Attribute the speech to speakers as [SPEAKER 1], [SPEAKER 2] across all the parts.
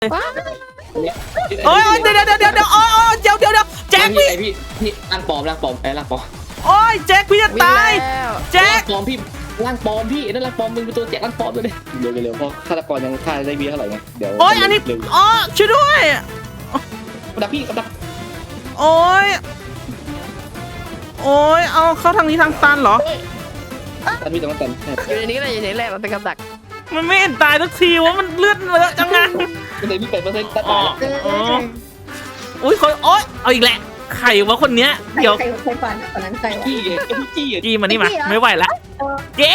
[SPEAKER 1] โอ้ยเดี๋ยวแจ็คพี่
[SPEAKER 2] พี่ร่างปลอมร่างปลอม
[SPEAKER 1] โอ้ยแจ็คพี่จะตายแจ็ค
[SPEAKER 2] ปลอมพี่ร่างปลอมพี่นั่นร่างปลอมมึงเป็นตัวแจ็คร่างปลอมเลยเร็วเพราะฆาตกรยังฆ่าได้เท่าไหร่ไงเดี๋ยว
[SPEAKER 1] โอ้ยอันนี้อ๋อช่วยด้วย
[SPEAKER 2] กับพี่กับ
[SPEAKER 1] โอ้ยเอาเข้าทางนี้ทางตันเหรอ
[SPEAKER 2] ตันพี่ตรงนั้นตัน
[SPEAKER 3] อยู่ในนี้เลยอยู่ในแรกมันเป็นกับดัก
[SPEAKER 1] มันไม่เห็นตายสักทีว่ามันเลือดเลอะจังไง
[SPEAKER 2] เป็นเลยพี่8%ตัดตาย
[SPEAKER 1] อุ้ยคนโอ๊ยเอาอีกแหละใครวะคนเนี้ยเดี๋ยว
[SPEAKER 4] ใครฝันตอนนั้นใครวะ
[SPEAKER 1] จี้มานี่มาไม่ไหวละเจ๊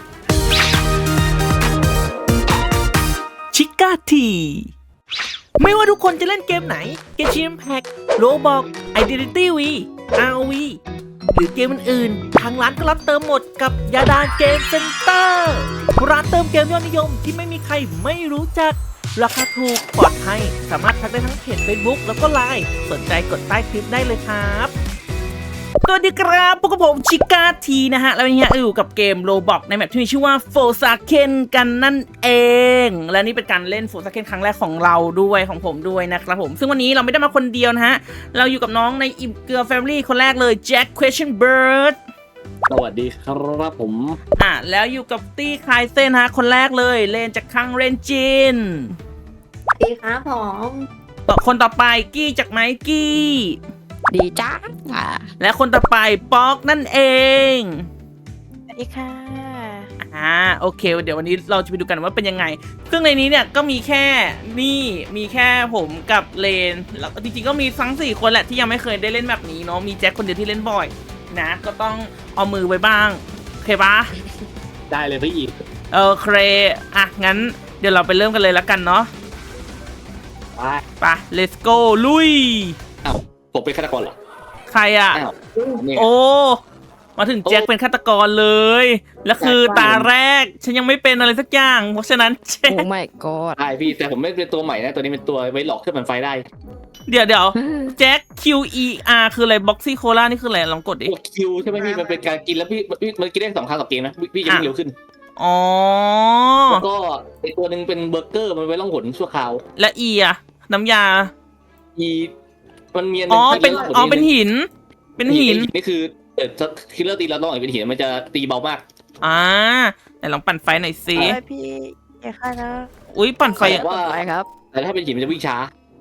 [SPEAKER 1] ชิก้าทีไม่ว่าทุกคนจะเล่นเกมไหนเกมชิมแพ็กโรบอกไอเดนติตี้วีROV หรือเกมอื่นๆทางร้านก็รับเติมหมดกับยาดาเกมเซ็นเตอร์ร้านเติมเกมยอดนิยมที่ไม่มีใครไม่รู้จักราคาถูกปลอดภัยสามารถทักได้ทั้งเพจ Facebook แล้วก็ LINE สนใจกดใต้คลิปได้เลยครับสวัสดีครับพวกผมชิก้าทีนะฮะแล้ววันนี้อยู่กับเกมโรบอกในแมปที่มีชื่อว่าโฟซาเคนกันนั่นเองและนี่เป็นการเล่นโฟซาเคนครั้งแรกของเราด้วยของผมด้วยนะครับผมซึ่งวันนี้เราไม่ได้มาคนเดียวนะฮะเราอยู่กับน้องในอิ่มเกลือแฟมิลี่คนแรกเลยแจ็ค Question Bird
[SPEAKER 2] สวัสดีครับผม
[SPEAKER 1] แล้วอยู่กับตี้คลายเส้นฮะคนแรกเลยเลนจากคังเรนจิน
[SPEAKER 4] ดีครับผม
[SPEAKER 1] คนต่อไปกี้จากไมกี้
[SPEAKER 3] ดีจ้า
[SPEAKER 1] และคนต่อไปป๊อกนั่นเอง
[SPEAKER 3] สวัสดีค่ะ
[SPEAKER 1] โอเคเดี๋ยววันนี้เราจะไปดูกันว่าเป็นยังไงซึ่งในนี้เนี่ยก็มีแค่มีแค่ผมกับเลนแล้วจริงๆก็มีทั้ง4คนแหละที่ยังไม่เคยได้เล่นแบบนี้เนาะมีแจ็คคนเดียวที่เล่นบ่อยนะก็ต้องเอามือไว้บ้างโอเคปะ
[SPEAKER 2] ได้เลยพี่อีก
[SPEAKER 1] โอเคงั้นเดี๋ยวเราไปเริ่มกันเลยแล้วกันเนาะไป let's go ลุย
[SPEAKER 2] ผมเป็นฆาตกรเหรอ
[SPEAKER 1] ใครโอ้มาถึงแจ็คเป็นฆาตกรเลยแล้วคือตาแรกฉันยังไม่เป็นอะไรสักอย่างเพราะฉะนั้น
[SPEAKER 3] โอ้ my god
[SPEAKER 2] ใช่พี่แต่ผมไม่เป็นตัวใหม่นะตัวนี้เป็นตัวไว้หลอกขึ้นมันไฟได้
[SPEAKER 1] เดี๋ยวแจ็ค QER คืออะไรบ็อกซี่โคล่านี่คืออะไรลองกดดิ
[SPEAKER 2] คิวใช่ไหมพี่มันเป็นการกินแล้วพี่มันกินได้2 ครั้งต่อเกมนะพี่จะเร็วขึ้นแล้วก็ไอตัวหนึ่งเป็นเบอร์เกอร์มันไว้ล่องหนชั่วคราว
[SPEAKER 1] และน้ำยา
[SPEAKER 2] มันมี
[SPEAKER 1] เป็นหิน
[SPEAKER 2] นี่คือคิลเลอร์ตีเราต้องเป็นหินมันจะตีเบามาก
[SPEAKER 1] แต่ลองปั่นไฟหน่อยสิ
[SPEAKER 3] พี่อย่าฆ่านะ
[SPEAKER 1] อุ้ยปั่นไฟ
[SPEAKER 3] ครับ
[SPEAKER 2] แต่ถ้าเป็นหินมันจะวิ่งช้า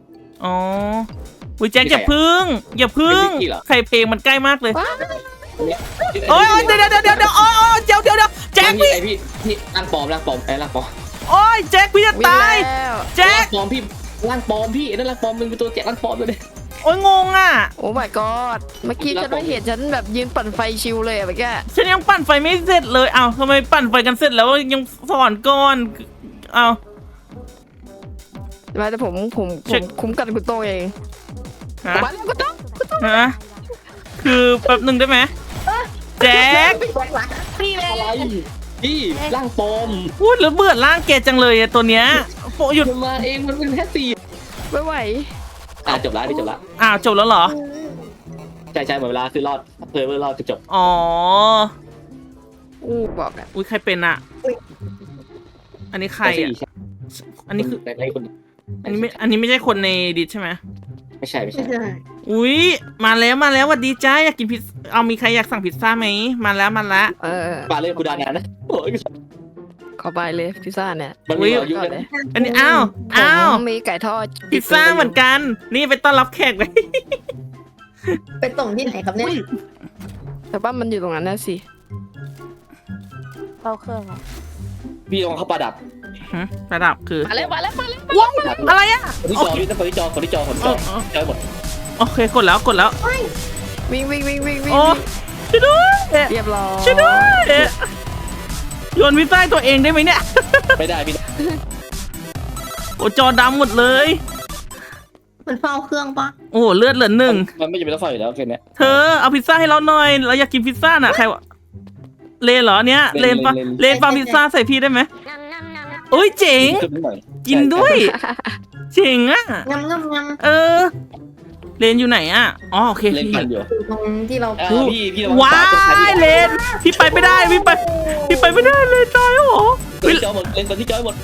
[SPEAKER 1] อุ้ยแจ็คอย่าพึ่งใครเพลงมันใกล้มากเลยโอ้ยเดี๋ยวแจ็ค
[SPEAKER 2] พี่ร่างปลอมร่างปลอม
[SPEAKER 1] โอ้ยแจ็คพี่จะตายแจ็ค
[SPEAKER 2] ร่างปลอมพี่นั่นร่างปลอมมึงเป็นตัวแจ็คร่างปลอมเลย
[SPEAKER 1] โอ้ยงง
[SPEAKER 3] โอ้ my god เมื่อกี้ฉันไม่เห็นฉันแบบยืนปั่นไฟชิวเลยเมื่อกี้
[SPEAKER 1] ฉันยังปั่นไฟไม่เสร็จเลยทำไมปั่นไฟกันเสร็จแล้วยังสอนก่อน
[SPEAKER 3] มาแต่ผมคุ้มกันคุณโตเองมาแล้วคุณโต
[SPEAKER 1] คือแป๊บหนึ่งได้ไหมแจ็ค
[SPEAKER 2] พี่อะไรพี่ร่างปลอม
[SPEAKER 1] พูดแล้วเบื่อร่างแกจังเลยตัวเนี้ย
[SPEAKER 2] หยุดมาเองมันเป็นแค่4
[SPEAKER 3] ไม่ไหว
[SPEAKER 2] จบแล้วจบ
[SPEAKER 1] แล้วเหรอ
[SPEAKER 2] ใช่หมดเวลาคือรอดเพื่อรอดจบ
[SPEAKER 3] บอก
[SPEAKER 1] อุ้ยใครเป็นอันนี้ใครอันนี้คืออันนี้ไม่ใช่คนในดิสใช่ไหม
[SPEAKER 2] ไม่ใช่
[SPEAKER 1] อุ้ยมาแล้วสวัสดีจ้าอยากกินพิซมีใครอยากสั่งพิซซ่าไหมมาแล้ว
[SPEAKER 2] มาเลยกูดานะ
[SPEAKER 3] ขอไปเลยพิซซ่าเนี่ย
[SPEAKER 2] มันมีอายุเลย
[SPEAKER 1] อันนี้อ้าว
[SPEAKER 3] มีไก่ทอด
[SPEAKER 1] พิซซ่าเหมือนกันนี่ไปต้อนรับแขกเลย
[SPEAKER 4] ไปส่งที่ไหนครับเนี่ย
[SPEAKER 3] แต่ว่ามันอยู่ตรงนั้นนะสิเข้าเครื่อง
[SPEAKER 2] พี่ลองเข้าประดับ
[SPEAKER 1] คือ
[SPEAKER 3] มาแล้วว้
[SPEAKER 1] าวอะไร
[SPEAKER 2] คนที่จอหมด
[SPEAKER 1] โอเคกดแล้ว
[SPEAKER 3] วิ่ง
[SPEAKER 1] ช่วยด้วย
[SPEAKER 3] เรียบร้อย
[SPEAKER 1] ช่วยด้วยโยนพิซซ่าตัวเองได้ไหมเนี่ย
[SPEAKER 2] ไม่ได้พี่
[SPEAKER 1] โอ้จอดำหมดเลย
[SPEAKER 4] มันเฝ้าเครื่องปะ
[SPEAKER 1] โอ้เลือดเหลือ1
[SPEAKER 2] มันไม่จำเป็นต้องเฝ้าอยู่แล้วแค่นี้
[SPEAKER 1] เธอเอาพิซซ่าให้เราหน่อยเราอยากกินพิซซ่าน่ะใครวะเลนเหรอเนี้ยเลนปะพิซซ่าใส่พี่ได้ไหมโอ้ยเจ๋งกินด้วยเจ๋ง
[SPEAKER 4] งำ
[SPEAKER 1] เลนอยู่ไหนโอเค
[SPEAKER 2] เลนปั่นอยู่
[SPEAKER 4] ตรงที่เรา
[SPEAKER 2] พี่
[SPEAKER 1] ว้ายเลนพี่ไปไม่ได้พี่ไปไม่ได้เลยตายหรอ
[SPEAKER 2] พี่จอหมดเลนตอนที่จอยหมด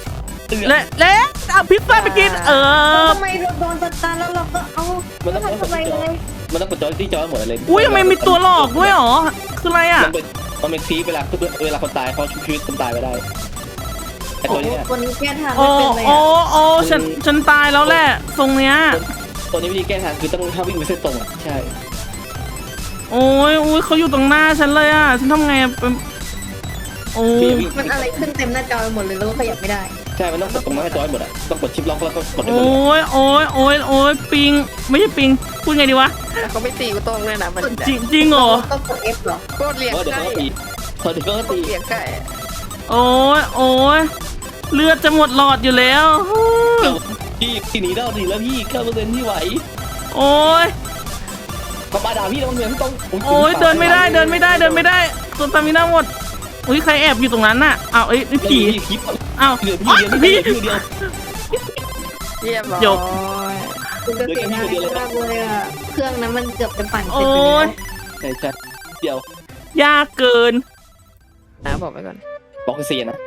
[SPEAKER 1] และเอาพิซซ่าไปกิน
[SPEAKER 4] ทำไมเราโดนตันแล้วเราก็เอา
[SPEAKER 2] มันต้อง
[SPEAKER 4] ทำอะไรเลย
[SPEAKER 2] มันต้องกดจอยที่จอยหมดเลย
[SPEAKER 1] อุ้ยทำไมมีตัวหลอกด้วยหรอคืออะไรอ่ะ
[SPEAKER 2] มันเป็นทีเวลาคนตายเขาชุบชีวิตคนตายไปได้ไอ้ตัวนี้
[SPEAKER 4] คนแก้ทาง
[SPEAKER 1] โอ้
[SPEAKER 4] ไม่เป็นเลย
[SPEAKER 1] โอ้ฉันตายแล้วแหละทรงเนี้ย
[SPEAKER 2] ตัวนี้วิธีแก้ทางคือต้องห้ามวิ่งไปเส้นตรงใช่
[SPEAKER 1] โอ้ยเขาอยู่ตรงหน้าฉันเลยอ่ะฉันทำไงเป็นโอ้ย
[SPEAKER 4] มันอะไรขึ้นเต็มหน้าจอไปหมดเลยแล้วก็ขยับไม่ได้
[SPEAKER 2] ใช่มันต้องกดตรงนั้นให้จอยหมดอ่ะต้องกดชิปล็อกแล้วก็กดได้หม
[SPEAKER 1] โอ้
[SPEAKER 2] ด
[SPEAKER 1] ยปิงไม่ใช่ปิงพูดไงดีวะ
[SPEAKER 3] แต่เขาไม่ตีกูตรงเลยนะมัน
[SPEAKER 1] จริงเหรอ
[SPEAKER 4] ก็กด F เหรอ
[SPEAKER 3] โคตรเลี้ยง
[SPEAKER 2] เดี๋ยว
[SPEAKER 3] ไก่
[SPEAKER 2] เขาตีพอเดี๋ยวเขาตี
[SPEAKER 3] เลี้ยงไก่
[SPEAKER 1] โอ้ยเลือดจะหมดหลอดอยู่แล้ว
[SPEAKER 2] พี่ทีนี้ได้ดีแล้วพี่9%ที่ไหว
[SPEAKER 1] โอ้ย
[SPEAKER 2] เขาปาด่าพี่แล้วมันเหมือนต้อง
[SPEAKER 1] โอ้ยเดินไม่ได้ตัวตามิน่าหมดอุ้ยใครแอบอยู่ตรงนั้นน่ะอ้าวนี่ผี
[SPEAKER 2] คลิป
[SPEAKER 1] อ้าว
[SPEAKER 2] เหลือพี่เดียวพี่เดียว
[SPEAKER 3] เรียบร้อย
[SPEAKER 1] จบ
[SPEAKER 4] คุณจะเสียดายมากเลยอ่ะเครื่องนั้นมันเกือบจะปั่นเสร็จ
[SPEAKER 1] โอ้
[SPEAKER 4] ไปแล้ว
[SPEAKER 1] ย
[SPEAKER 2] ใช่เดียวย
[SPEAKER 1] ากเกิน
[SPEAKER 3] นะบอกไปก่อน
[SPEAKER 2] บอกเสียนะ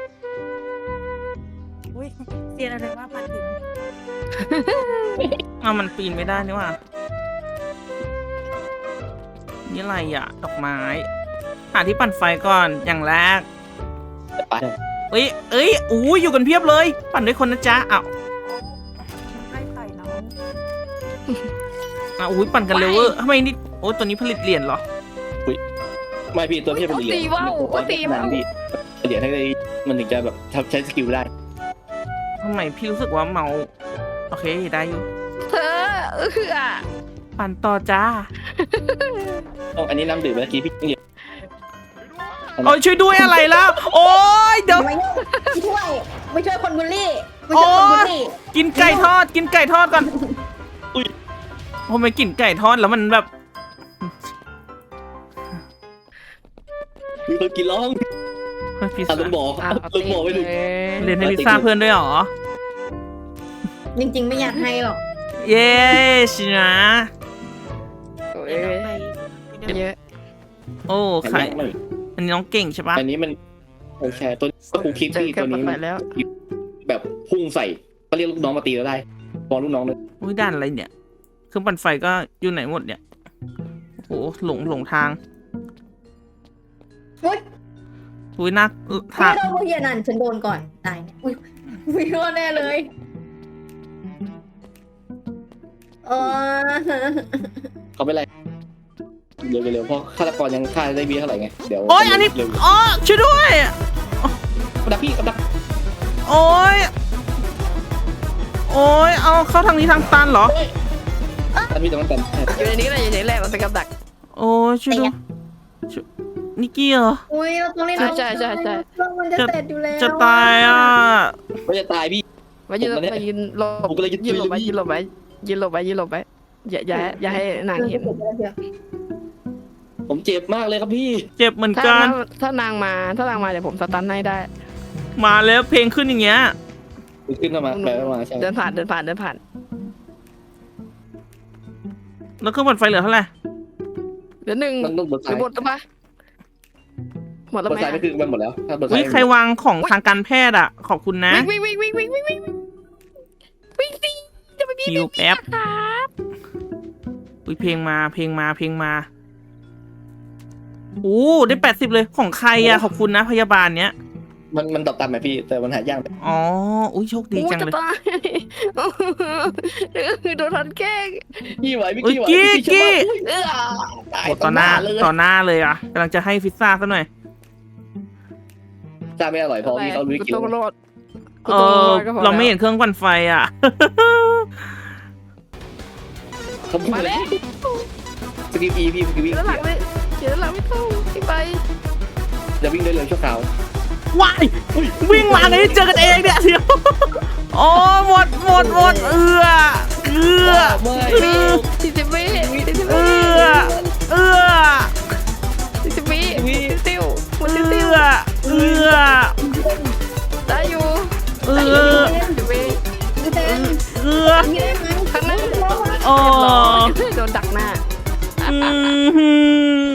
[SPEAKER 1] อุ้ยเสียอะไรว่าปันถึงอ้าวมันปีนไม่ได้นี่ว่านี่อะไรอ่ะดอกไม้หาที่ปั่นไฟก่อนอย่างแรก
[SPEAKER 2] ไป
[SPEAKER 1] เอ้ยอู้อยู่กันเพียบเลย ปั่นด้วยคนนะจ๊ะอ้าว
[SPEAKER 4] ให้ไต่น้อง
[SPEAKER 1] อุ้ยปั่นกันเร็วเวอร์ทำไมนี่โอ้ตัวนี้ผลิตเหรียญเหรอ
[SPEAKER 2] ไม่พี่ตัวพี่เป็นเหรียญพี่เหรียญให้ได้มันถึงจะแบบใช้สกิลได้
[SPEAKER 1] ทำไมพี่รู้สึกว่าเมาโอเคได้อยู่
[SPEAKER 3] เธอ
[SPEAKER 1] ปั่นต่อจ้า
[SPEAKER 2] อันนี้น้ำดื่มเมื่อกี้พี่เหรียญ
[SPEAKER 1] โอ้ยช่วยด้วยอะไรแล้ว โอ้ยเดี๋ยว
[SPEAKER 4] ไม่ช่วยคนบูลลี่ไม่ช่วยคนบูลลี่
[SPEAKER 1] กินไก่ทอดก่อนอุ้ยทำไมกินไก่ทอดแล้วมันแบบ
[SPEAKER 2] มีคนกินร้อง
[SPEAKER 1] พิซ
[SPEAKER 2] ลุ
[SPEAKER 1] ซ่าง
[SPEAKER 2] บอกลุงบอกไม่ดู
[SPEAKER 1] เรียนให้พิซซ่าเพื่อนด้วยเหรอ
[SPEAKER 4] จริงๆไม่อยากให้หรอก
[SPEAKER 1] เย้ชินะ
[SPEAKER 3] โอ้ยเยอะ
[SPEAKER 1] โอ้ไข่อันนี้น้องเก่งใช่ปะ
[SPEAKER 2] อันนี้มันโอเคตัวก็คงคิด
[SPEAKER 3] เจอ
[SPEAKER 2] พี่
[SPEAKER 3] กัน
[SPEAKER 2] ตัวนี้
[SPEAKER 3] ไปแล้ว
[SPEAKER 2] แบบพุ่งใส่ก็เรียกลูกน้องมาตีเราได้ฟ้องลูกน้องเลย
[SPEAKER 1] อุ้ยด่านอะไรเนี่ยเครื่องปั่นไฟก็อยู่ไหนหมดเนี่ยโอ้โหหลงทาง
[SPEAKER 4] อุ๊ย
[SPEAKER 1] อุ้ยนัก
[SPEAKER 4] ไม่
[SPEAKER 1] ทาง
[SPEAKER 4] โดนพวกเฮียนั่นฉันโดนก่อนตายเนี่ยอุ้ยไม่โดนแน่เลยเออ
[SPEAKER 2] เขาไม่ไรเร็วเพราะฆาตกรยังฆ่าได้เบี้ยเท่าไหร่ไงเดี๋ยว
[SPEAKER 1] โอ้ยอันนี้อ๋อช่วยด้วย
[SPEAKER 2] ดักพี่ดัก
[SPEAKER 1] โอ้ยเอาเข้าทางนี้ทางตันเหรอ
[SPEAKER 2] ดักพี่ตรงนั้นกัน
[SPEAKER 3] อยู่ในนี้แหละอยู่ในนี้แหละมันเป็นกับดัก
[SPEAKER 1] โอ้ยช่วยด้วยนิกกี้เหรอ
[SPEAKER 4] อุ้ยเราต้องเล่น
[SPEAKER 3] ใช่
[SPEAKER 4] เครื่องมันจะเสร็จอยู่แล้ว
[SPEAKER 1] จะตายอ่ะ
[SPEAKER 2] ไม่จะตายพี่
[SPEAKER 3] มายืนหลบ
[SPEAKER 2] ผมก็เลยยืน
[SPEAKER 3] หลบไว้
[SPEAKER 2] เลย
[SPEAKER 3] ยืนหลบไว้อย่าให้นางเห็น
[SPEAKER 2] ผมเจ็บมากเลยครับพี่
[SPEAKER 1] เจ็บเหมือน
[SPEAKER 3] ถ้า
[SPEAKER 1] กัน
[SPEAKER 3] ถ้านางมาเดี๋ยวผมสตันให้ได้
[SPEAKER 1] มาแล้วเพลงขึ้นอย่างเงี้ย
[SPEAKER 2] ขึ้นมาไปมาใช่
[SPEAKER 3] เดินผ่าน
[SPEAKER 1] แล้วเครื่องปั่นไฟเหลือเท่าไหร่
[SPEAKER 3] เดี๋ยวหนึ่ง
[SPEAKER 2] มันต้องบน
[SPEAKER 3] ห
[SPEAKER 2] ซ้า
[SPEAKER 3] รื
[SPEAKER 2] ย
[SPEAKER 3] อบทปะหมดแล้ว
[SPEAKER 2] บน
[SPEAKER 3] ไหม
[SPEAKER 2] ซ้ายไม่คือมันหมดแล้วถ้าบนซ้า
[SPEAKER 1] อุ้
[SPEAKER 2] ย
[SPEAKER 1] ยใครวางของทางการแพทย์อ่ะ ขอบคุณนะ
[SPEAKER 3] วิ่งสิจะไป
[SPEAKER 1] ฮิวแป๊บ
[SPEAKER 3] ครับ
[SPEAKER 1] อุ้ยเพลงมาโอ้ได้80เลยของใครอ่ะขอบคุณนะพยาบาลเนี้ย
[SPEAKER 2] มันตอบตามไหมพี่แต่มันหายาก
[SPEAKER 1] อ๋ออุ้ยโชคดีจังเลย
[SPEAKER 3] จะตายโดนทันแกล้ง
[SPEAKER 2] พี่ไหวพี่
[SPEAKER 1] อุ้ย
[SPEAKER 2] ไหว
[SPEAKER 1] กี้
[SPEAKER 2] ตาย
[SPEAKER 1] โอ้ต่อหน้าเลยอ่ะกำลังจะให้พิซซ่าซะหน่อย
[SPEAKER 2] จ้าไม่อร่อยพอพี่เขารู้กิน
[SPEAKER 3] ต้องรอด
[SPEAKER 1] เราไม่เห็นเครื่องปั่นไฟอ่ะ
[SPEAKER 2] เขาพูด
[SPEAKER 3] มา
[SPEAKER 2] เลย
[SPEAKER 3] แล้ว
[SPEAKER 2] สกิปอีพี่สกิปอี
[SPEAKER 3] เดี๋ยวหลังเลยเดี๋ยวหลังไม่ต้องไป
[SPEAKER 2] จะวิ่งได้เร็วชั่วคราว
[SPEAKER 1] ว้ายวิ่งมาไงเจอกันเองเนี่ยเดี๋ยวโอ้หมดเอือ
[SPEAKER 3] 40 วิติ้วมันติ้วได้อยู่40 วิ ข้างหน้า
[SPEAKER 1] โอ้
[SPEAKER 3] โดนดักหน้า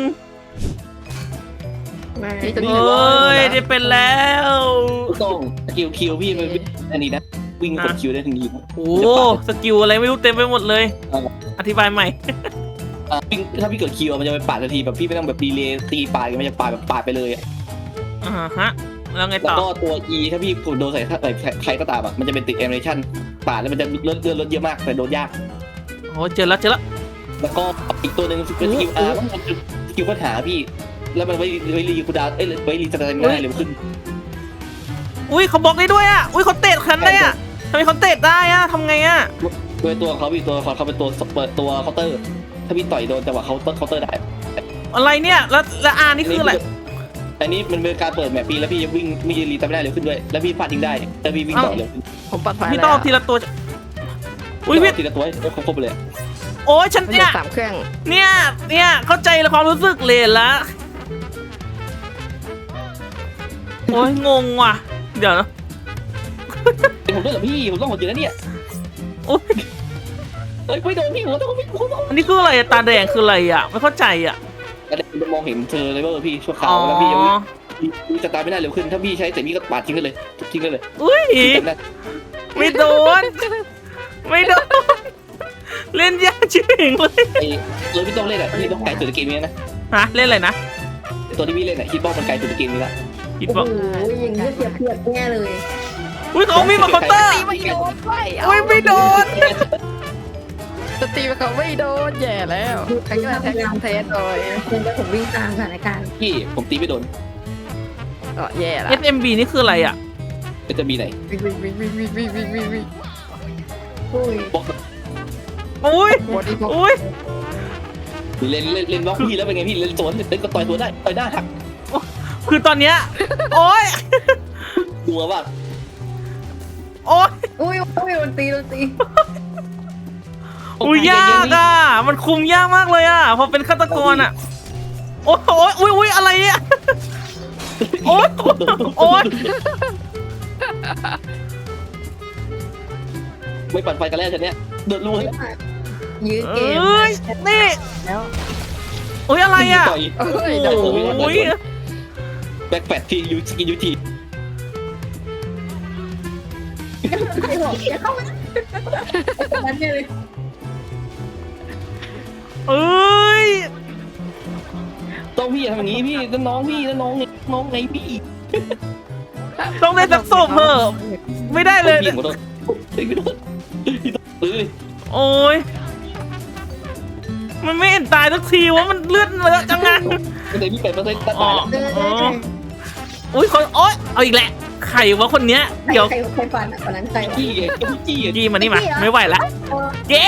[SPEAKER 1] โอ้ยได้เป็นแล้ว
[SPEAKER 2] ต้องกิลคิวพี่มันอันนี้นะวิ่งกดคิวได้ทันที
[SPEAKER 1] โอ้สกิลอะไรไม่รู้เต็มไปหมดเลย อธิบายใหม่
[SPEAKER 2] วิ่งถ้าพี่กดคิวมันจะไปปาดทันทีแบบพี่ไม่ต้องแบบดีเลย์ตีปาดมันจะปาดแบบปาดไปเลย
[SPEAKER 1] ฮะแล้วไง
[SPEAKER 2] แล้ว
[SPEAKER 1] ต่อ
[SPEAKER 2] ก็ตัว E ถ้าพี่โดนใส่ใครก็ตามมันจะเป็นติดแอนิเมชั่นปาดแล้วมันจะลดเยอะมากแต่โดนยาก
[SPEAKER 1] โอ้เจอแล้ว
[SPEAKER 2] แล้วก็อีกตัวหนึ่งเป็นสกิล R มันคือสกิลค้นหาพี่แล้วมันไว้รีคูดาวไว้รีสตาร์ทได้เร็วขึ้น
[SPEAKER 1] อุ้ยเขาบล็อกได้ด้วยอ่ะอุ้ยเขาเตะคันได้อ่ะทำไมเขาเตะได้อ่ะทำไงอ่ะ
[SPEAKER 2] ด้วยตัวเขาพี่ตัวเขาเป็นตัวเปิดตัวเคาน์เตอร์ถ้าพี่ต่อยโดนจังหวะเคาน์เตอร์ได้
[SPEAKER 1] อะไรเนี่ยแล้วอานี่คืออะไร
[SPEAKER 2] อันนี้มันเป็นการเปิดแมปปีแล้วพี่จะวิ่งไม่รีตามไม่ได้เร็วขึ้นด้วยแล้วพี่ฟาดทิ้งได้แล้วพี่วิ่งต่อเร็วขึ้น
[SPEAKER 3] ผมปัดไฟ
[SPEAKER 1] พี่
[SPEAKER 3] แล้ว
[SPEAKER 1] ต้องเอาทีละตัวอุ้ยพี่
[SPEAKER 2] ทีละตัวให้ครบเลย
[SPEAKER 1] โอ้ยฉัน
[SPEAKER 3] มัน
[SPEAKER 1] เนี่
[SPEAKER 3] จะ
[SPEAKER 1] ย
[SPEAKER 3] 3 เครื่อง
[SPEAKER 1] เนี่ยเข้าใจแล้วความรู้สึกเลยละโอ้ยงงว่ะเดี๋ยวนะ
[SPEAKER 2] ผมด้วยเหรอพี่ผมต้องหมดอยู่แล้วเนี่ย
[SPEAKER 1] โอ้ย
[SPEAKER 2] ไม่โดนพี่ผมต้อง
[SPEAKER 1] อันนี้คืออะไรอะตาแดงคืออะไรอ่ะไม่เข้าใจอ่ะ
[SPEAKER 2] แต่จะมองเห็นเธอเลยว่าพี่ชั่วครา
[SPEAKER 1] อ๋
[SPEAKER 2] ว
[SPEAKER 1] อ
[SPEAKER 2] แล้วพี่จะตายไม่ได้เร็วขึ้นถ้าพี่ใช้แต่พี่ก็ปาดทิ้งได้เลยทิ้งได้เลย
[SPEAKER 1] อุ้ยไม่โดนเล่นยากจริงเลย
[SPEAKER 2] ไอ้เลยพี่ต้องเล่นอ่ะพี่ต้องไกลสุดในเกมนี้นะ
[SPEAKER 1] ฮะเล่นอะไรนะ
[SPEAKER 2] ตัวที่พี่เล่นอ่ะคิดว่ามันไกลสุดในเกมนี้ละ
[SPEAKER 1] คิด
[SPEAKER 4] โอ้
[SPEAKER 1] ว่า
[SPEAKER 4] โหอย่างนี้เสียเปรียบแน่เลย
[SPEAKER 1] อุ้ยเขามีมาเคาน์เตอร์
[SPEAKER 3] ตีไม่โดนไป
[SPEAKER 1] อุ้ยไม่โดน
[SPEAKER 3] จะตีเขาไม่โดนแย่แล้วใครก็ได้แท็กเทสเลย
[SPEAKER 4] เดี๋ยวผมวิ่งตามสถานการณ์
[SPEAKER 2] พี่ผมตีไม่โดน
[SPEAKER 3] ก็แย่ละ
[SPEAKER 1] SMB นี่คืออะไรอ่ะ
[SPEAKER 2] จะมีไหน
[SPEAKER 3] วิ่ง
[SPEAKER 4] อุ้ย
[SPEAKER 2] บอก
[SPEAKER 1] อุ้ย
[SPEAKER 3] บอดี้พวก
[SPEAKER 1] อุ้ย
[SPEAKER 2] เล่นบล็อกพี่แล้วเป็นไงพี่เล่นสวนเล่นก็ต่อยสวนได้ต่อยหน้าหัก
[SPEAKER 1] คือตอนเนี้ยโอ้ย
[SPEAKER 2] ดัวว่า
[SPEAKER 1] โอ้ย
[SPEAKER 4] อุ้ยโดนตี
[SPEAKER 1] อุ้ยยากอ่ะมันคุมยากมากเลยอ่ะพอเป็นฆาตกรอ่ะโอ้ยอุ้ยอะไรเนี่ยโอ้ย
[SPEAKER 2] ไม่ปั่นไฟกันแล้วฉันเนี้ยเดือดรู้
[SPEAKER 4] ยื้อเกม
[SPEAKER 1] เอ้ยนี่
[SPEAKER 4] แล้ว
[SPEAKER 1] โอ้ยอะไรอ่ะ
[SPEAKER 2] ต่อย
[SPEAKER 3] เอ้ย
[SPEAKER 1] โอ้ย
[SPEAKER 2] แบ็คแฟตทียูสกินยูที
[SPEAKER 4] ใครบอกจะเข้ามาตอนนั้นเลย
[SPEAKER 1] เอ้ย
[SPEAKER 2] ต้องพี่ทำอย่างนี้พี่น้องพี่น้องไงพี่
[SPEAKER 1] ต้องได้สักศพเถอะไม่ได้เลย
[SPEAKER 2] พี่ขอโทษพี่ต้องซื้อ
[SPEAKER 1] โอ้ยมันไม่เห็นตายสักทีว่ามันเลือดเยอะจังงั้น
[SPEAKER 2] แต่พี่8%ตัดตายแล้ว
[SPEAKER 1] อุ้ยคนโอ๊ยเอาอีกแหละใครวะคนเนี้ยเดี๋ยว
[SPEAKER 4] ใครฟันคนนั้นใคร
[SPEAKER 2] จี้ไงจี้ไง
[SPEAKER 1] จี้มานี่มาไม่ไหวละเจ๊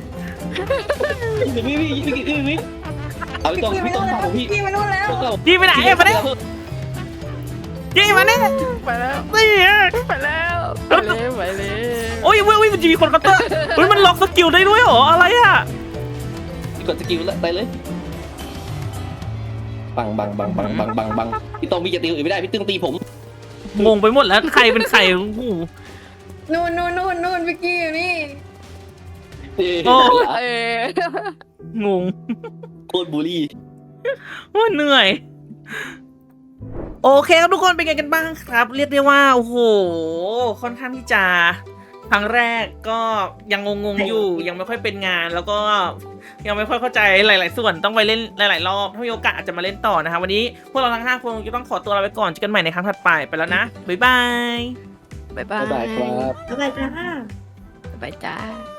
[SPEAKER 2] พี่เอาพี่ต้องฟังผมพี่
[SPEAKER 4] พี่มานู่นแล้ว
[SPEAKER 1] จี้ไปไหนมาเนี่ยจี้มาเนี่ย
[SPEAKER 3] ไปแล้ว
[SPEAKER 1] นี่
[SPEAKER 3] ไปแล้วไปเลย
[SPEAKER 1] โอ้ยมันจะมีคนเคาน์เตอร์เฮ้ยมันล็อกสกิลได้ด้วยเหรออะไรอ่ะ
[SPEAKER 2] กดสกิลแล้วไปเลยบังพี่ต้องพี่จะตีอื่นไม่ได้พี่ตึงตีผม
[SPEAKER 1] งงไปหมดแล้วใครเป็นใครโอ้โห
[SPEAKER 4] นู่นวิกกี้อยู่นี่
[SPEAKER 3] เออง
[SPEAKER 1] ง
[SPEAKER 2] โคตรบูลลี่
[SPEAKER 1] ว่าเหนื่อยโอเคครับทุกคนเป็นไงกันบ้างครับ เรียกได้ว่าโอ้โหค่อนข้างที่จะครั้งแรกก็ยังงงๆอยู่ยังไม่ค่อยเป็นงาน แล้วก็ยังไม่ค่อยเข้าใจหลายๆส่วนต้องไปเล่นหลายๆรอบถ้ามีโอกาสอาจจะมาเล่นต่อนะคะวันนี้พวกเราทั้ง5คนจะต้องขอตัวลาไปก่อนเจอกันใหม่ในครั้งถัดไปแล้วนะบ๊ายบาย
[SPEAKER 3] บ๊ายบาย
[SPEAKER 2] บ๊ายบายครับ
[SPEAKER 4] อะไรจ้า
[SPEAKER 3] บ๊ายบายจ้า